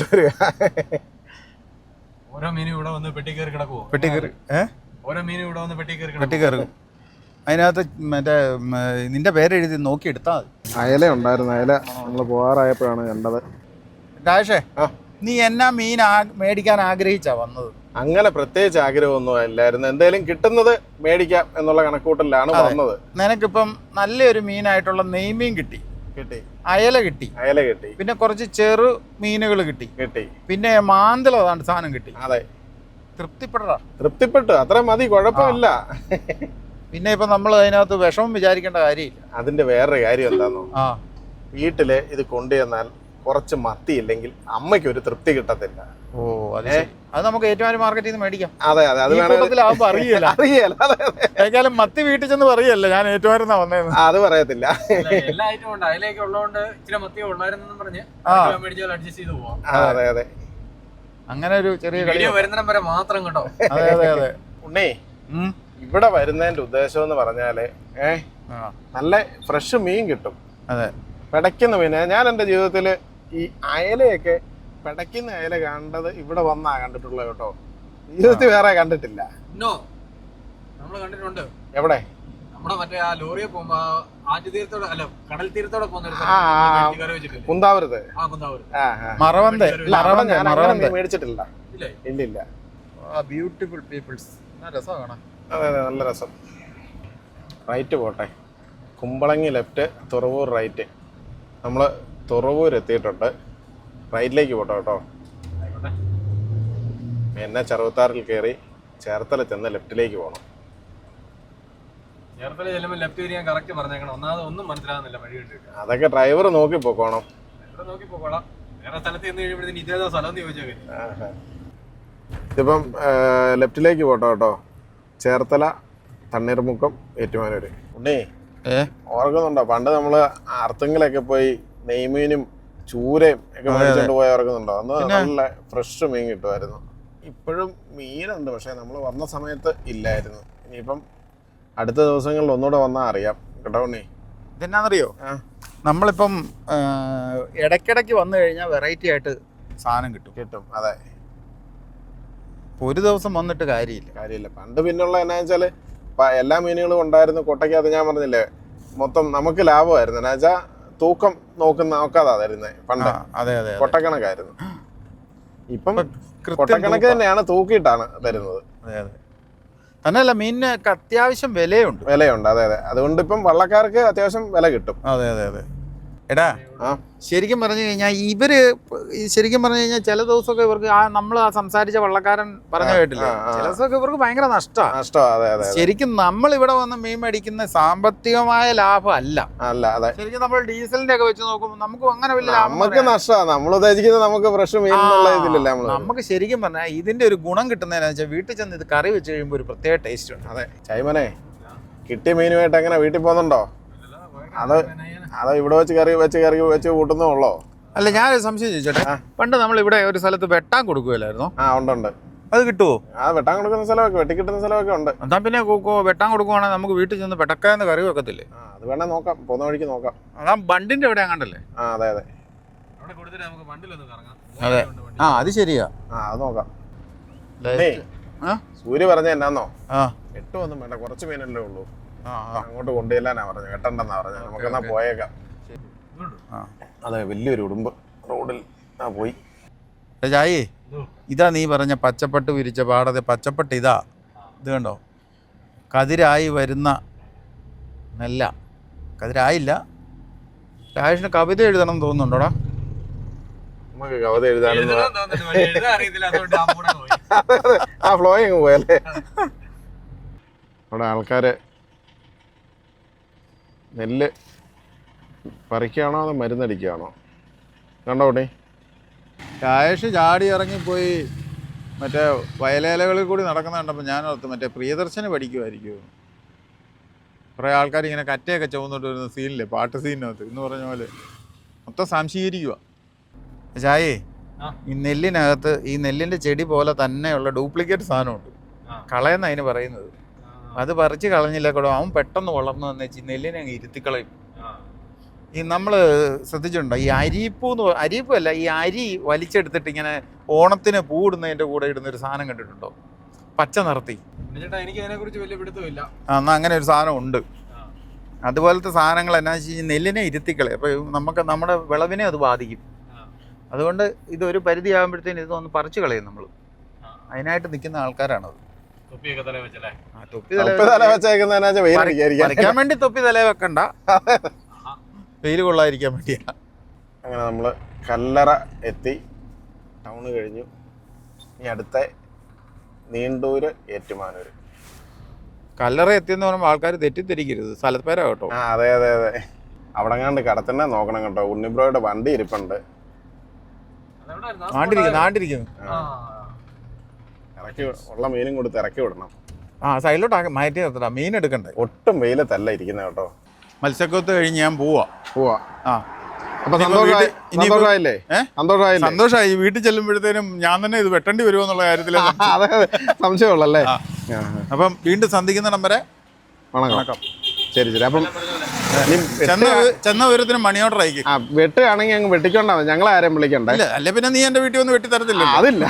G: ഓരോ മീനും ഇവിടെ വന്ന് പെട്ടി കയറി കിടക്കുവോ?
D: പെട്ടി കയറി
G: ഓരോ മീനും ഇവിടെ വന്ന് പെട്ടി
D: പെട്ടി കയറി. അതിനകത്ത് മറ്റേ നിന്റെ പേര് എഴുതി നോക്കി എടുത്താൽ മതി.
C: അയല ഉണ്ടായിരുന്നു, അയല നമ്മൾ പോകാറായപ്പോഴാണ് കണ്ടത്.
D: രാജേഷേ, നീ എന്നാ മീൻ മേടിക്കാൻ ആഗ്രഹിച്ചാ വന്നത്?
C: അങ്ങനെ പ്രത്യേകിച്ച് ആഗ്രഹമൊന്നും ഇല്ലായിരുന്നു, എന്തായാലും കിട്ടുന്നത് മേടിക്കാം എന്നുള്ള കണക്കൂട്ടലിലാണ് വന്നത്.
D: നിനക്കിപ്പം നല്ലൊരു മീനായിട്ടുള്ള നെയ്മീൻ കിട്ടി, അയല കിട്ടി, പിന്നെ കുറച്ച് ചെറു മീനുകൾ കിട്ടി, പിന്നെ മാന്തൽ അതാണ് സാധനം കിട്ടി.
C: അതെ,
D: തൃപ്തിപ്പെട്ടു,
C: അത്ര മതി, കുഴപ്പമില്ല.
D: പിന്നെ ഇപ്പൊ നമ്മൾ അതിനകത്ത് വിഷമം വിചാരിക്കേണ്ട കാര്യമില്ല.
C: അതിന്റെ വേറൊരു കാര്യം എന്താണോ, വീട്ടില് ഇത് കൊണ്ടുവന്നാൽ കുറച്ച് മത്തി ഇല്ലെങ്കിൽ അമ്മയ്ക്ക് ഒരു തൃപ്തി കിട്ടത്തില്ല.
D: ഓ അതെ, അത് നമുക്ക് ഏറ്റുമാനൂർ മാർക്കറ്റിൽ നിന്ന് മേടിക്കാം.
C: അതെ അതെ, അത്
D: അറിയാലും മത്തി വീട്ടിൽ ചെന്ന് പറയല്ലേ ഞാൻ ഏറ്റുമാനൂർന്നാ വന്നേന്ന്.
C: അത് പറയത്തില്ല.
G: എല്ലാ ഐറ്റവും ഉണ്ട്, അതിലേക്ക് ഉള്ളതുകൊണ്ട് ഇച്ചിരി മത്തി ഉള്ളായിരുന്നു പറഞ്ഞ് അഡ്ജസ്റ്റ് ചെയ്ത് പോവാം.
C: അതെ അതെ,
D: അങ്ങനെ ഒരു ചെറിയ
G: വീഡിയോ വരുന്നിടം വരെ മാത്രം കേട്ടോ.
D: അതെ അതെ അതെ.
C: ഉണ്ണി, ഇവിടെ വരുന്നതിന്റെ ഉദ്ദേശം എന്ന് പറഞ്ഞാല് നല്ല ഫ്രഷ് മീൻ കിട്ടും.
D: അതെ,
C: പിടയ്ക്കുന്ന മീൻ. ഞാൻ എൻ്റെ ജീവിതത്തിൽ ഈ അയലയൊക്കെ പിടയ്ക്കുന്ന അയല കണ്ടത് ഇവിടെ വന്നാ കണ്ടിട്ടുള്ളത് കേട്ടോ, ജീവിതത്തിൽ വേറെ കണ്ടിട്ടില്ല.
G: നമ്മള് കണ്ടിട്ടുണ്ട്.
C: എവിടെ?
G: നമ്മുടെ മറ്റേ ആ ലോറിയെ പോകുമ്പോ ആറ്റുതീരത്തോടെ അല്ല കടൽ തീരത്തോടെ പോകുന്ന
C: കുന്താവൂരത്ത് മേടിച്ചിട്ടില്ല. ഇല്ലില്ല.
D: ബ്യൂട്ടിഫുൾ പീപ്പിൾസ്, രസമാണ്.
C: അതെ അതെ, നല്ല രസം. റൈറ്റ് പോട്ടെ, കുമ്പളങ്ങി ലെഫ്റ്റ്, തുറവൂർ റൈറ്റ്. നമ്മൾ തുറവൂർ എത്തിയിട്ടുണ്ട്, റൈറ്റിലേക്ക് പോട്ടോ കേട്ടോ. എന്നെ 66 കയറി ചേർത്തല ചെന്ന് ലെഫ്റ്റിലേക്ക് പോകണം.
G: ചേർത്തല ചെല്ലുമ്പോൾ ലെഫ്റ്റ് തിരിയാൻ കറക്റ്റ് പറഞ്ഞേക്കണം. ഒന്നാമത് ഒന്നും മനസ്സിലാകുന്നില്ല വഴി കണ്ടിട്ട്.
C: അതൊക്കെ ഡ്രൈവർ നോക്കി പോക്കോണം.
G: നോക്കി പോക്കോളാം. വേറെ സ്ഥലത്ത് ചെന്ന് കഴിയുമ്പോഴത്തേന് ഇതേതാ സ്ഥലം എന്ന് ചോദിച്ചേക്കെ.
C: ഇതിപ്പം ലെഫ്റ്റിലേക്ക് പോട്ടോ കേട്ടോ, ചേർത്തല, തണ്ണീർമുക്കം, ഏറ്റുമാനൂര്. ഉണ്ണി, ഓർക്കുന്നുണ്ടോ പണ്ട് നമ്മള് അർത്തുങ്കിലൊക്കെ പോയി നെയ്മീനും ചൂരയും ഒക്കെ മേടിച്ചോണ്ട് പോയി ഓർക്കുന്നുണ്ടോ? അന്ന് നല്ല ഫ്രഷ് മീൻ കിട്ടുമായിരുന്നു. ഇപ്പോഴും മീനുണ്ട്, പക്ഷെ നമ്മൾ വന്ന സമയത്ത് ഇല്ലായിരുന്നു. ഇനിയിപ്പം അടുത്ത ദിവസങ്ങളിൽ ഒന്നുകൂടെ വന്നാൽ അറിയാം കേട്ടോ ഉണ്ണി.
D: ഇതെന്നാന്നറിയോ, നമ്മളിപ്പം ഇടയ്ക്കിടയ്ക്ക് വന്നു കഴിഞ്ഞാൽ വെറൈറ്റി ആയിട്ട് സാധനം കിട്ടും.
C: അതെ,
D: ഒരു ദിവസം വന്നിട്ട് കാര്യമില്ല.
C: പണ്ട് പിന്നുള്ള എന്നാ വെച്ചാല് എല്ലാ മീനുകളും ഉണ്ടായിരുന്നു കൊട്ടയ്ക്കകത്ത്. ഞാൻ പറഞ്ഞില്ലേ, മൊത്തം നമുക്ക് ലാഭമായിരുന്നു. എന്നാ വെച്ചാൽ തൂക്കം നോക്കാതാ തരുന്നത് പണ്ട്.
D: അതെ അതെ
C: കൊട്ടക്കണക്കായിരുന്നു. ഇപ്പം
D: കൃത്യം
C: കൊട്ടക്കണക്ക് തന്നെയാണ്, തൂക്കിയിട്ടാണ് തരുന്നത്.
D: അതെ അതെ. തന്നെയല്ല, മീനിനൊക്കെ അത്യാവശ്യം വിലയുണ്ട്.
C: വിലയുണ്ട്, അതെ അതെ. അതുകൊണ്ട് ഇപ്പം വള്ളക്കാർക്ക് അത്യാവശ്യം വില കിട്ടും.
D: അതെ അതെ അതെ. എടാ,
C: ആ
D: ശരിക്കും പറഞ്ഞു കഴിഞ്ഞാൽ ഇവര് ശരിക്കും പറഞ്ഞു കഴിഞ്ഞാൽ ചില ദിവസമൊക്കെ ഇവർക്ക് നമ്മൾ സംസാരിച്ച വള്ളക്കാരൻ പറഞ്ഞ കേട്ടില്ലേ, ചില ദിവസമൊക്കെ ഇവർക്ക് ഭയങ്കര നഷ്ടമാണ്.
C: അതെ അതെ.
D: ശരിക്കും നമ്മൾ ഇവിടെ വന്ന് മീൻ മേടിക്കുന്ന സാമ്പത്തികമായ ലാഭം അല്ല.
C: അതെ.
D: ശരിക്കും നമ്മൾ ഡീസലിന്റെ ഒക്കെ വെച്ച് നോക്കുമ്പോൾ നമുക്ക് അങ്ങനെ വലിയ ലാഭം
C: നമുക്ക് നഷ്ടമാണ്. നമ്മൾ ഉദ്ദേശിക്കുന്നത് നമുക്ക് ഫ്രഷ് മീൻ ഇതില്ലല്ലേ.
D: നമുക്ക് ശരിക്കും പറഞ്ഞാൽ ഇതിന്റെ ഒരു ഗുണം കിട്ടുന്നതെന്ന് വെച്ചാൽ വീട്ടിൽ ചെന്ന് ഇത് കറി വെച്ച് കഴിയുമ്പോൾ ഒരു പ്രത്യേക ടേസ്റ്റ് ഉണ്ട്.
C: അതെ. ചൈമനെ, കിട്ടിയ മീനുമായിട്ട് എങ്ങനെ വീട്ടിൽ പോകുന്നുണ്ടോ? അത് ഇവിടെ വെച്ച് കൂട്ടുന്നേ ഉള്ളോ?
D: അല്ല, ഞാനൊരു സംശയം ചോദിച്ചോട്ടെ. പണ്ട് നമ്മൾ ഇവിടെ ഒരു സ്ഥലത്ത് വെട്ടാൻ കൊടുക്കുമല്ലായിരുന്നോ?
C: ഉണ്ട്.
D: അത് കിട്ടുമോ?
C: വെട്ടാൻ കൊടുക്കുന്ന സ്ഥലമൊക്കെ, വെട്ടി കിട്ടുന്ന സ്ഥലമൊക്കെ ഉണ്ട്.
D: എന്നാ പിന്നെ വെട്ടാൻ കൊടുക്കുവാണെങ്കിൽ നമുക്ക് വീട്ടിൽ ചെന്ന് പെട്ടക്കാന്ന് കറി വെക്കത്തില്ലേ?
C: അത് വേണേ നോക്കാം, പോകുന്ന വഴിക്ക് നോക്കാം.
D: അതാ ബണ്ടിന്റെ എവിടെ അങ്ങണ്ടല്ലേ?
C: അതെ അതെ
D: അതെ. അത് ശരിയാ.
C: അത് നോക്കാം. സൂര്യ പറഞ്ഞ എന്നാന്നോ, 8 ഒന്നും വേണ്ട, കുറച്ച് മീനല്ലേ ഉള്ളൂ. അങ്ങോട്ട് കൊണ്ടുചെല്ലാനാ പറഞ്ഞു, വെട്ടണ്ടെന്നാ പറഞ്ഞു. നമുക്കെന്നാ പോയേക്കാം. അതെ, വലിയൊരു ഉടുമ്പ് റോഡിൽ പോയി.
D: ചായേ, ഇതാ നീ പറഞ്ഞ പച്ചപ്പട്ട് വിരിച്ച പാടത്തെ പച്ചപ്പട്ട്. ഇത് കണ്ടോ, കതിരായി വരുന്ന നെല്ല. കതിരായില്ല. രാജേഷിന് കവിത എഴുതണം തോന്നുന്നുണ്ടോടാ?
C: നമുക്ക് കവിത എഴുതാനൊന്നും ആ ഫ്ലോയിങ് പോയല്ലേ. അവിടെ ആൾക്കാര് നെല്ല് പറിക്കുകയാണോ അതോ മരുന്നടിക്കുകയാണോ? കണ്ടോ ഉണ്ണി?
D: രാജേഷ് ചാടി ഇറങ്ങിപ്പോയി മറ്റേ വയലേലകളിൽ കൂടി നടക്കുന്ന കണ്ടപ്പോൾ ഞാൻ ഓർത്ത് മറ്റേ പ്രിയദർശന് പഠിക്കുമായിരിക്കുമോ. കുറേ ആൾക്കാർ ഇങ്ങനെ കറ്റയൊക്കെ ചുവന്നിട്ട് വരുന്ന സീനില്ലേ, പാട്ട് സീനിനകത്ത് എന്ന് പറഞ്ഞ പോലെ മൊത്തം സംശീകരിക്കുക. ചായേ, ഈ നെല്ലിനകത്ത് ഈ നെല്ലിൻ്റെ ചെടി പോലെ തന്നെയുള്ള ഡ്യൂപ്ലിക്കേറ്റ് സാധനമുണ്ട്, കളയെന്ന് അതിന് പറയുന്നത്. അത് പറിച്ച് കളഞ്ഞില്ല കൂടെ അവൻ പെട്ടെന്ന് വളർന്നു വന്ന് വെച്ച് നെല്ലിനെ അങ്ങ് ഇരുത്തിക്കളയും. ഈ നമ്മൾ ശ്രദ്ധിച്ചിട്ടുണ്ടോ, ഈ അരിപ്പല്ല, ഈ അരി വലിച്ചെടുത്തിട്ട് ഇങ്ങനെ ഓണത്തിന് പൂടുന്നതിൻ്റെ കൂടെ ഇടുന്നൊരു സാധനം കണ്ടിട്ടുണ്ടോ? പച്ച നിറത്തി.
G: എനിക്ക് അതിനെക്കുറിച്ച് വലിയ പിടുത്തമില്ല.
D: എന്നാൽ അങ്ങനെ ഒരു സാധനം ഉണ്ട്. അതുപോലത്തെ സാധനങ്ങൾ എന്നാ വെച്ച് കഴിഞ്ഞാൽ നെല്ലിനെ ഇരുത്തിക്കളയും. അപ്പോൾ നമുക്ക് നമ്മുടെ വിളവിനെ അത് ബാധിക്കും. അതുകൊണ്ട് ഇതൊരു പരിധി ആകുമ്പോഴത്തേന് ഇതൊന്ന് പറിച്ചു കളയും നമ്മൾ. അതിനായിട്ട് നിൽക്കുന്ന ആൾക്കാരാണത്. പറിക്കാൻ വേണ്ടി തൊപ്പി തലേ വെക്കണ്ട, വെയിൽ കൊള്ളാതിരിക്കാൻ വേണ്ടിയാ.
C: അങ്ങനെ നമ്മൾ കല്ലറ എത്തി, ടൗണ് കഴിഞ്ഞു. ഇനി അടുത്ത നീണ്ടൂര് ഏറ്റുമാനൂര്.
D: കല്ലറ എത്തിയെന്ന് പറയുമ്പോൾ ആൾക്കാർ തെറ്റിദ്ധരിക്കരുത്, സ്ഥലപ്പേരാ കേട്ടോ.
C: അതെ അതെ അതെ. അവിടെ കണ്ട് കടത്തന്നെ നോക്കണം കേട്ടോ. ഉണ്ണിബ്രോയുടെ വണ്ടി ഇരിപ്പുണ്ട്.
D: നാണ്ടിരിക്കുന്നു.
C: ഇറക്കി ഉള്ള മീനും കൊടുത്ത് ഇറക്കി വിടണം.
D: സൈഡിലോട്ട് മാറ്റി നിർത്തടാ, മീൻ എടുക്കണ്ടേ.
C: ഒട്ടും വെയിലത്തല്ല ഇരിക്കുന്നത് കേട്ടോ.
D: മത്സ്യക്കൊത്ത് കഴിഞ്ഞ് ഞാൻ പോവാ.
C: അപ്പൊ സന്തോഷമായില്ലേ?
D: സന്തോഷമായി. വീട്ടിൽ ചെല്ലുമ്പോഴത്തേനും ഞാൻ തന്നെ ഇത് വെട്ടേണ്ടി വരുമോ എന്നുള്ള കാര്യത്തിൽ
C: സംശയമുള്ളല്ലേ.
D: അപ്പം വീണ്ടും സന്ധിക്കുന്നിടം വരെ
C: വണക്കം. ശരി ശരി. അപ്പം
D: ചെന്ന വിവരത്തിന് മണി ഓർഡർ അയക്കും.
C: വെട്ടുകയാണെങ്കിൽ അങ്ങ് വെട്ടിക്കൊണ്ടാ മതി, ഞങ്ങളെ ആരെയും വിളിക്കണ്ട.
D: അല്ലെ പിന്നെ നീ എന്റെ വീട്ടിൽ വന്ന് വെട്ടി തരത്തില്ല.
C: അതില്ല,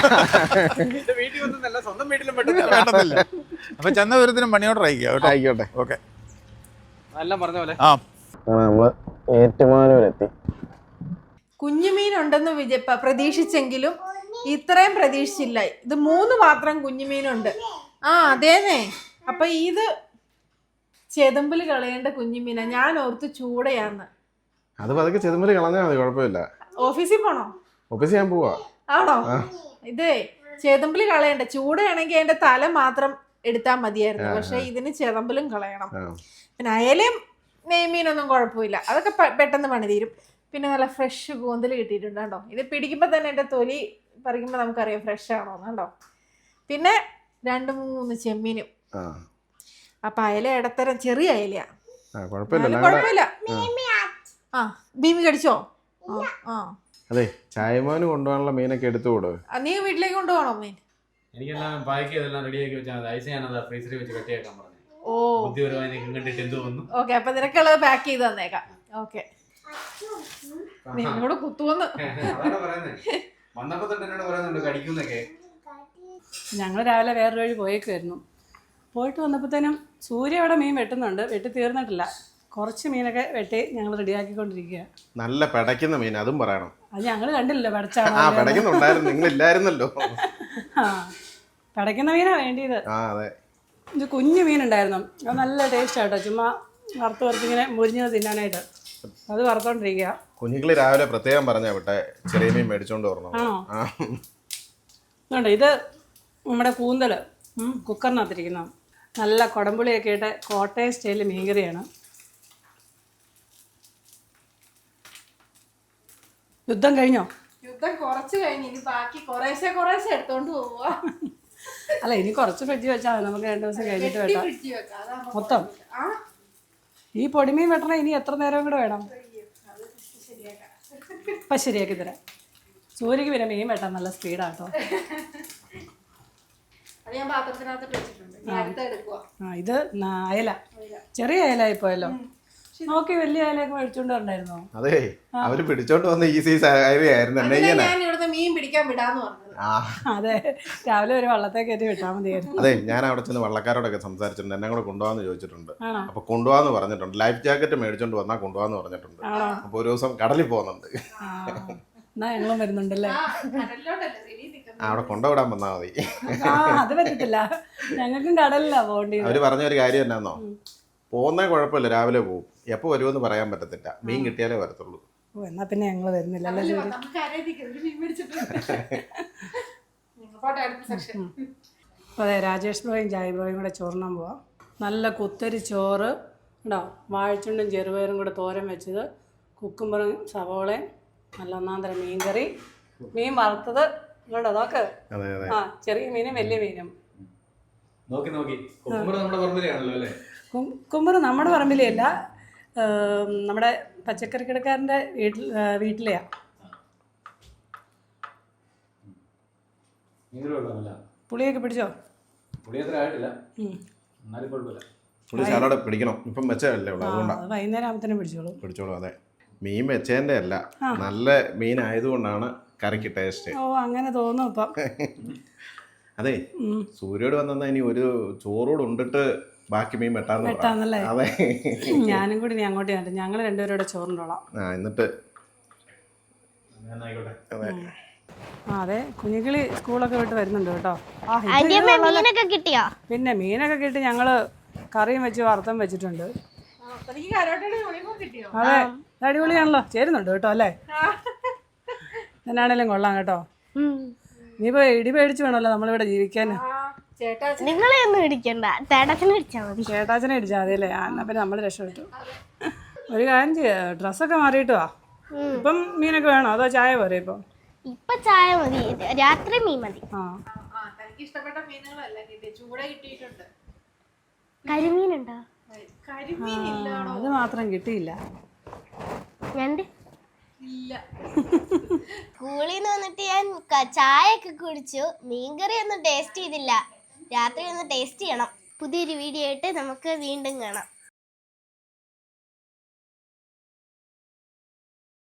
D: വേണ്ടത്തില്ല. അപ്പൊ ചെന്ന വിവരത്തിന് മണി ഓർഡർ അയക്കുക.
C: ആയിക്കോട്ടെ.
D: ഓക്കെ.
G: പറഞ്ഞ പോലെ
C: നമ്മള് ഏറ്റുമാനൂരെത്തി.
B: കുഞ്ഞുമീനുണ്ടെന്ന് പ്രതീക്ഷിച്ചെങ്കിലും ഇത്രയും പ്രതീക്ഷിച്ചില്ല. ഇത് 3 മാത്രം കുഞ്ഞുമീനുണ്ട്. അതേന്നെ. അപ്പൊ ഇത് ചെതമ്പിൽ കളയേണ്ട കുഞ്ഞുമീനാ. ഞാൻ ഓർത്ത് ചൂടയാന്ന്.
C: അത് പതുക്കെ ചെതമ്പിൽ കളഞ്ഞാൽ മതി, കുഴപ്പമില്ല.
B: ഓഫീസിൽ പോണോ?
C: ഓഫീസിൽ ഞാൻ പോവാ.
B: ആണോ? ഇതേ ചെതമ്പിൽ കളയണ്ട. ചൂടയാണെങ്കിൽ അതിന്റെ തല മാത്രം എടുത്താൽ മതിയായിരുന്നു. പക്ഷെ ഇതിന് ചെതമ്പിലും കളയണം. പിന്നെ അയലയും നെയ്മീനൊന്നും കുഴപ്പമില്ല, അതൊക്കെ പെട്ടെന്ന് പണി തീരും. പിന്നെ നല്ല ഫ്രഷ് കൂന്തൽ കിട്ടിയിട്ടുണ്ട് കേട്ടോ. ഇത് പിടിക്കുമ്പോൾ തന്നെ എൻ്റെ തൊലി പറിക്കുമ്പോൾ നമുക്കറിയാം ഫ്രഷ് ആണോ കേട്ടോ. പിന്നെ 2-3 ചെമ്മീനും. അപ്പൊ അയല ഇടത്തരം ചെറിയ അയലയാ, കുഴപ്പമില്ല. ഭീമി കടിച്ചോ?
C: അതെ, ചായമാന് കൊണ്ടുപോകാനുള്ള മീനൊക്കെ എടുത്തുകൂടോ?
B: നീ വീട്ടിലേക്ക് കൊണ്ടുപോകണോ മീൻ?
G: എനിക്കെല്ലാം പാക്ക് ചെയ്തെല്ലാം റെഡിയാക്കി വെച്ചാൽ ഐസ് ഞാനത് ഫ്രീസറിൽ വെച്ച് കട്ടിയാക്കാൻ പറഞ്ഞു.
B: ഓക്കെ, അപ്പൊ നിനക്കുള്ളത് പാക്ക് ചെയ്ത് തന്നേക്കാം. ഓക്കെ. നിന്നോട് കുത്തുവന്ന്
H: ഞങ്ങൾ രാവിലെ വേറൊരു വഴി പോയേക്കുമായിരുന്നു. പോയിട്ട് വന്നപ്പോഴത്തേനും സൂര്യ അവിടെ മീൻ വെട്ടുന്നുണ്ട്, വെട്ടി തീർന്നിട്ടില്ല. കുറച്ച് മീനൊക്കെ വെട്ടി ഞങ്ങൾ റെഡിയാക്കിക്കൊണ്ടിരിക്കുക.
C: നല്ല പിടയ്ക്കുന്ന മീൻ, അതും പറയണം.
H: അത് ഞങ്ങൾ കണ്ടില്ലല്ലോ പടച്ചാണോ.
C: ആ പിടയ്ക്കുന്നുണ്ടായിരുന്നു, നിങ്ങളില്ലായിരുന്നല്ലോ.
H: ആ പടയ്ക്കുന്ന മീനാണ് വേണ്ടിയത്.
C: ആ അതെ.
H: ഇത് കുഞ്ഞു മീനുണ്ടായിരുന്നു, അത് നല്ല ടേസ്റ്റ് ആട്ടോ. ചുമ്മാ വറുത്തിങ്ങനെ മുരിഞ്ഞത് തിന്നാനായിട്ട് അത് വറുത്തോണ്ടിരിക്കുക.
C: കുഞ്ഞുങ്ങളി രാവിലെ പ്രത്യേകം പറഞ്ഞാ വിട്ടെ ചെറിയ മീൻ മേടിച്ചോണ്ട് വരണം.
H: ആണോ?
C: ആ
H: അതുകൊണ്ട് ഇത് നമ്മുടെ കൂന്തൽ കുക്കറിനകത്തിരിക്കുന്ന നല്ല കുടംപുളിയൊക്കെ ഇട്ട് കോട്ടയം സ്റ്റൈലിൽ മീൻകറിയാണ്. യുദ്ധം കഴിഞ്ഞോ?
B: യുദ്ധം കുറച്ച് കഴിഞ്ഞ് ഇനി ബാക്കി കുറേശ്ശെ എടുത്തോണ്ട് പോവുക.
H: അല്ല ഇനി കുറച്ച് ഫ്രിഡ്ജ് വെച്ചാൽ മതി, നമുക്ക് 2 ദിവസം കഴിഞ്ഞിട്ട് വെട്ടാം മൊത്തം. ഈ പൊടിമീൻ വെട്ടണം ഇനി എത്ര നേരം കൂടെ വേണം? ഇപ്പം ശരിയാക്കി തരാം. സൂര്യക്ക് പിന്നെ മീൻ വെട്ടാൻ നല്ല സ്പീഡാട്ടോ.
B: അത് ഞാൻ പാത്രത്തിനകത്ത് വെച്ചിട്ടുണ്ട്. ഞാൻ അടുത്ത എടുക്കുക.
H: ആ ഇത് അയല, ചെറിയ അയലായി പോയല്ലോ. നോക്കി വലിയ അയലൊക്കെ മേടിച്ചോണ്ട് വരണ്ടായിരുന്നോ?
C: അതെ, അവര് പിടിച്ചോണ്ട് വന്ന ഈ സൈസ് ആയിരുന്നു.
B: ഞാൻ ഇവിടുത്തെ മീൻ പിടിക്കാൻ വിടാന്ന് പറഞ്ഞത്.
H: അതെ, രാവിലെ ഒരു വള്ളത്തെ കയറ്റി വിട്ടാൽ മതിയായിരുന്നു.
C: അതെ, ഞാൻ അവിടെ ചെന്ന് വള്ളക്കാരോടൊക്കെ സംസാരിച്ചിട്ടുണ്ട്, എന്നെ കൂടെ കൊണ്ടുപോകാന്ന് ചോദിച്ചിട്ടുണ്ട്. അപ്പൊ കൊണ്ടുപോകാന്ന് പറഞ്ഞിട്ടുണ്ട്. ലൈഫ് ജാക്കറ്റ് മേടിച്ചോണ്ട് വന്നാൽ കൊണ്ടുപോകാന്ന് പറഞ്ഞിട്ടുണ്ട്. അപ്പൊ ഒരു ദിവസം കടലിൽ പോകുന്നുണ്ട്.
H: എന്നാ ഞങ്ങളും വരുന്നുണ്ടല്ലേ?
C: അവിടെ കൊണ്ടുവിടാൻ വന്നാൽ മതി.
H: അത് പറ്റത്തില്ല, ഞങ്ങൾക്കും കടലിലാ പോകേണ്ടി.
C: അവര് പറഞ്ഞ ഒരു കാര്യം എന്നാന്നോ, പോകുന്ന കുഴപ്പമില്ല, രാവിലെ പോകും, എപ്പോ വരുമെന്ന് പറയാൻ പറ്റത്തില്ല, മീൻ കിട്ടിയാലേ വരത്തുള്ളൂ.
H: ഓ എന്നാ പിന്നെ ഞങ്ങള് വരുന്നില്ല. അതെ, രാജേഷ് ബ്രോയും ജായ് ബ്രോയും കൂടെ ചോറിനാൻ പോവാം. നല്ല കുത്തരി ചോറ് ഉണ്ടോ, വാഴച്ചുണ്ടും ചെറുപയറും കൂടെ തോരൻ വെച്ചത്, കുക്കുമ്പറും സവോളയും, നല്ല ഒന്നാന്തരം മീൻകറി, മീൻ വറുത്തത് ഇങ്ങോട്ടോ നോക്ക്. ആ ചെറിയ മീനും വലിയ മീനും. കുക്കുമ്പർ നമ്മുടെ പറമ്പിലേ അല്ല, നമ്മുടെ പച്ചക്കറി കിടക്കാരൻ്റെ വീട്ടിലെയാ. പുളിയൊക്കെ പിടിച്ചോ?
C: പുളി സാലഡ് പിടിക്കണം, ഇപ്പം വെച്ചല്ലേ ഉള്ളൂ, അതുകൊണ്ടാണ്.
H: വൈകുന്നേരം ആകുമ്പത്തേനും പിടിച്ചോളൂ.
C: അതെ, മീൻ വെച്ചതിന്റെ അല്ല, നല്ല മീൻ ആയതുകൊണ്ടാണ് കറിക്ക് ടേസ്റ്റ്.
H: ഓ അങ്ങനെ തോന്നും ഇപ്പം.
C: അതെ, സൂര്യോട് വന്നാ ഇനി ഒരു ചോറോട് ഉണ്ടിട്ട് ബാക്കി മീൻ
H: വെട്ടാന്നല്ലേ?
C: അതെ,
H: ഞാനും കൂടി നീ അങ്ങോട്ട് കണ്ടു, ഞങ്ങൾ രണ്ടുപേരോടെ ചോറിനോളാം.
C: എന്നിട്ട്
H: അതെ, കുഞ്ഞുകിളി സ്കൂളൊക്കെ വിട്ട് വരുന്നുണ്ട് കേട്ടോ. പിന്നെ മീനൊക്കെ കിട്ടി, ഞങ്ങള് കറിയും വെച്ച് വറുത്തും വെച്ചിട്ടുണ്ട്. അതെ, അടിപൊളിയാണല്ലോ, ചേരുന്നുണ്ട് കേട്ടോ അല്ലേ? എന്നാണേലും കൊള്ളാം കേട്ടോ. ഇനിയിപ്പോ ഇടി പേടിച്ച് വേണമല്ലോ നമ്മളിവിടെ ജീവിക്കാൻ.
A: നിങ്ങളെ ഒന്നും ഇടിക്കണ്ട,
H: ചേട്ടാച്ചനെ ഇടിച്ചാൽ മതി അല്ലേ? എന്നാ പിന്നെ നമ്മൾ രക്ഷപ്പെട്ടു. ഒരു കാര്യം ചെയ്യാ, ഡ്രസ്സൊക്കെ മാറിയിട്ട് വാ. ഇപ്പം മീനൊക്കെ വേണോ അതോ ചായ പോരെ?
A: ഇപ്പൊ ചായ മതി, രാത്രി മീൻ മതി.
B: ഇഷ്ടപ്പെട്ട മീനുകളല്ല കിട്ടി, ചൂട കിട്ടിയിട്ടുണ്ട്.
A: കരിമീനുണ്ടോ?
H: അത് മാത്രം കിട്ടിയില്ല.
A: സ്കൂളിൽ നിന്ന് വന്നിട്ട് ഞാൻ ചായ ഒക്കെ കുടിച്ചു, മീൻകറി ഒന്നും ടേസ്റ്റ് ചെയ്തില്ല. രാത്രി ഒന്ന് ടേസ്റ്റ് ചെയ്യണം. പുതിയൊരു വീഡിയോ ആയിട്ട് നമുക്ക് വീണ്ടും കാണാം.